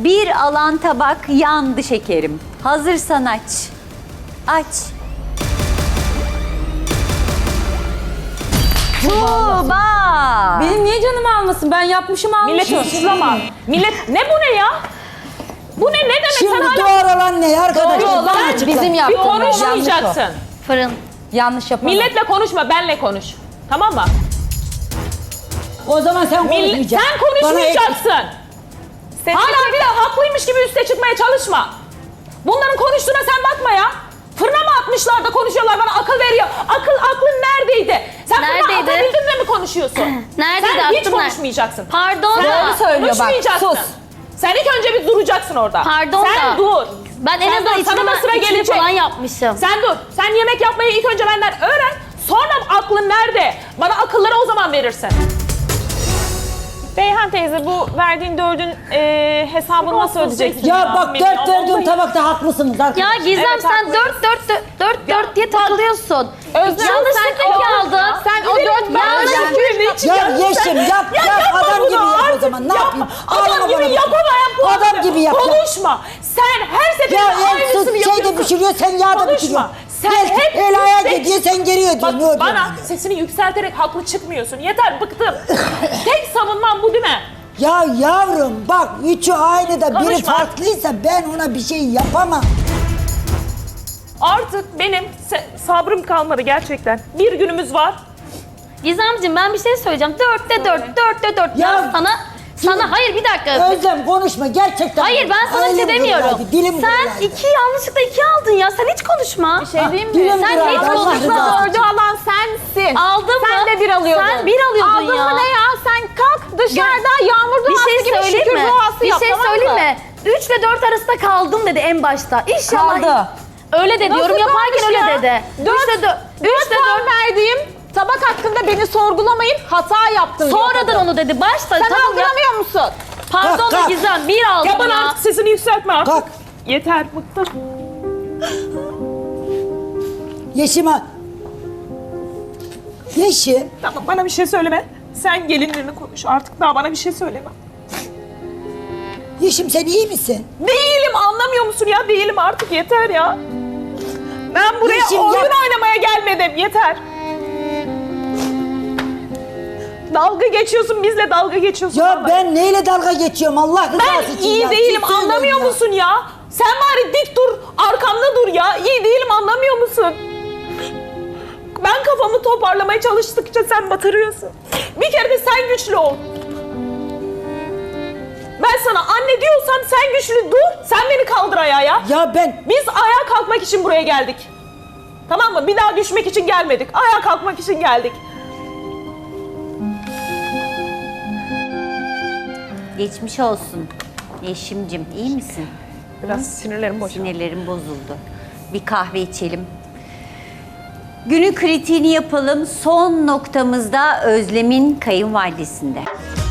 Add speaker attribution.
Speaker 1: Bir alan tabak yandı şekerim. Hazırsan aç. Aç. Tuğba.
Speaker 2: Benim niye canımı almasın? Ben yapmışım almışım.
Speaker 3: Millet suçlama. Millet ne bu ne ya? Bu ne demek?
Speaker 4: Şimdi
Speaker 3: Sen hala
Speaker 4: doğru olan ne arkadaşlar?
Speaker 2: Doğru olan
Speaker 4: Bana açıkla.
Speaker 2: bizim
Speaker 3: bir
Speaker 2: yaptığımız.
Speaker 3: konuşmayacaksın.
Speaker 5: Fırın.
Speaker 2: Yanlış yapamam.
Speaker 3: Milletle konuşma, benle konuş. Tamam mı?
Speaker 4: O zaman sen konuşmayacaksın.
Speaker 3: Sen konuşmayacaksın. Hala bir de haklıymış gibi üste çıkmaya çalışma. Bunların konuştuğuna sen bakma ya. Fırına mı atmışlar da konuşuyorlar, bana akıl veriyor. Aklın neredeydi? Sen fırına
Speaker 5: Neredeydi?
Speaker 3: atabildin de mi konuşuyorsun?
Speaker 5: Neredeydi?
Speaker 3: Sen hiç
Speaker 5: Aklım nerede?
Speaker 3: konuşmayacaksın.
Speaker 5: Pardon
Speaker 3: Sen
Speaker 5: da.
Speaker 2: söylüyor bak,
Speaker 3: konuşmayacaksın.
Speaker 2: sus.
Speaker 3: Sen ilk önce bir duracaksın orada.
Speaker 5: Pardon
Speaker 3: sen
Speaker 5: da.
Speaker 3: dur.
Speaker 5: Ben en
Speaker 3: Sen
Speaker 5: azından
Speaker 3: dur, sana da sıra
Speaker 5: içini
Speaker 3: gelecek.
Speaker 5: falan yapmışım.
Speaker 3: Sen dur. Sen yemek yapmayı ilk önce benden öğren. Sonra aklın nerede? Bana akılları o zaman verirsin.
Speaker 6: Beyhan teyze, bu verdiğin 4'ün hesabını nasıl ödeyeceksin?
Speaker 4: Ya bak
Speaker 6: Bilmiyorum.
Speaker 4: 4 verdiğim tabakta haklısınız
Speaker 5: Ya
Speaker 4: arkadaşlar.
Speaker 5: Gizem
Speaker 6: Evet,
Speaker 5: sen
Speaker 6: haklısın.
Speaker 5: 4 diye takılıyorsun.
Speaker 6: Özlem,
Speaker 5: Yanlışlıkla
Speaker 6: sen
Speaker 5: iki
Speaker 6: o-
Speaker 5: aldın.
Speaker 6: Sen o 4
Speaker 4: Ya Yeşim yap adam gibi yap o zaman ne yapayım?
Speaker 3: Adam
Speaker 4: Ağlama
Speaker 3: gibi
Speaker 4: bana.
Speaker 3: yapamayan bu
Speaker 4: Adam gibi yap.
Speaker 3: Konuşma. Sen her seferinde
Speaker 4: Ya
Speaker 3: aynısını
Speaker 4: en
Speaker 3: yapıyorsun.
Speaker 4: şeyde pişiriyor sen yağda
Speaker 3: Konuşma.
Speaker 4: pişiriyorsun.
Speaker 3: Sen hep
Speaker 4: el ayağa
Speaker 3: yüksek-
Speaker 4: gidiyor sen geriye
Speaker 3: Bak
Speaker 4: diyorsun. Ne oluyor
Speaker 3: bana
Speaker 4: yani?
Speaker 3: sesini yükselterek haklı çıkmıyorsun. Yeter bıktım. Tek savunmam bu değil mi?
Speaker 4: Ya yavrum bak üçü aynı da biri
Speaker 3: Konuşma.
Speaker 4: farklıysa ben ona bir şey yapamam.
Speaker 3: Artık benim sabrım kalmadı gerçekten. Bir günümüz var.
Speaker 5: Gizemciğim ben bir şey söyleyeceğim. 4'te 4.
Speaker 4: Ya,
Speaker 5: Ya sana hayır bir dakika.
Speaker 4: Özlem konuşma gerçekten.
Speaker 5: Hayır ben sana bir şey
Speaker 4: Elim
Speaker 5: demiyorum.
Speaker 4: kırılaydı, dilim
Speaker 5: Sen
Speaker 4: kırılaydı.
Speaker 5: yanlışlıkla 2 aldın ya. Sen hiç konuşma. Bir
Speaker 6: şey diyeyim mi?
Speaker 4: Dilim
Speaker 5: Sen
Speaker 4: kırılaydı,
Speaker 5: hiç
Speaker 4: Allah
Speaker 5: konuşma.
Speaker 4: rızası için.
Speaker 6: 4'ü alan sensin.
Speaker 5: Aldın mı?
Speaker 6: Sen de 1 alıyordun.
Speaker 5: Sen 1 alıyordun
Speaker 6: Aldın
Speaker 5: ya.
Speaker 6: mı ne ya? Sen kalk dışarıda yağmur
Speaker 5: Bir
Speaker 6: duası
Speaker 5: şey
Speaker 6: gibi
Speaker 5: söyleyeyim
Speaker 6: şükür
Speaker 5: mi?
Speaker 6: duası
Speaker 5: Bir
Speaker 6: yap,
Speaker 5: şey
Speaker 6: tamam
Speaker 5: söyleyeyim
Speaker 6: mı?
Speaker 5: mi? 3 ile 4 arasında kaldım dedi en başta. İnşallah.
Speaker 2: Kaldı.
Speaker 5: Öyle dedi.
Speaker 6: Nasıl
Speaker 5: Yorum yaparken
Speaker 6: kalmış
Speaker 5: öyle
Speaker 6: ya?
Speaker 5: dedi.
Speaker 6: 4 puan verdiğim tabak hakkında beni sorgulamayın, hata yaptım.
Speaker 5: Sonradan onu dedi. Başta
Speaker 6: Sen
Speaker 5: tamam ya.
Speaker 6: algılamıyor musun?
Speaker 5: Pardon
Speaker 4: Kalk,
Speaker 5: da
Speaker 4: kalk.
Speaker 5: Gizem 1 aldım
Speaker 3: Ya bana artık sesini yükseltme artık.
Speaker 4: Kalk.
Speaker 3: Yeter bıktım.
Speaker 4: Yeşim'e. Yeşim.
Speaker 3: Tamam bana bir şey söyleme. Sen gelinlerini konuş. Artık daha bana bir şey söyleme.
Speaker 4: Yeşim sen iyi misin?
Speaker 3: Değilim, anlamıyor musun ya? Değilim artık, yeter ya. Ben buraya
Speaker 4: Yeşim,
Speaker 3: oyun
Speaker 4: yap.
Speaker 3: oynamaya gelmedim, yeter. Dalga geçiyorsun, bizle dalga geçiyorsun.
Speaker 4: Ya
Speaker 3: vallahi.
Speaker 4: ben neyle dalga geçiyorum Allah rızası
Speaker 3: Ben
Speaker 4: için
Speaker 3: iyi
Speaker 4: ya.
Speaker 3: değilim,
Speaker 4: Ciddi
Speaker 3: anlamıyor
Speaker 4: söylüyorum ya.
Speaker 3: musun ya? Sen bari dik dur, arkamda dur ya. İyi değilim, anlamıyor musun? Ben kafamı toparlamaya çalıştıkça sen batırıyorsun. Bir kere de sen güçlü ol. Ben sana anne diyorsam sen güçlü dur, sen beni kaldır ayağa ya.
Speaker 4: Ya ben
Speaker 3: Biz ayağa kalkmak için buraya geldik. Tamam mı? Bir daha düşmek için gelmedik. Ayağa kalkmak için geldik.
Speaker 1: Geçmiş olsun. Yeşimcim iyi misin?
Speaker 3: Biraz sinirlerim boşaldı.
Speaker 1: Sinirlerim bozuldu. Bir kahve içelim. Günün kritiğini yapalım. Son noktamızda Özlem'in kayınvalidesinde.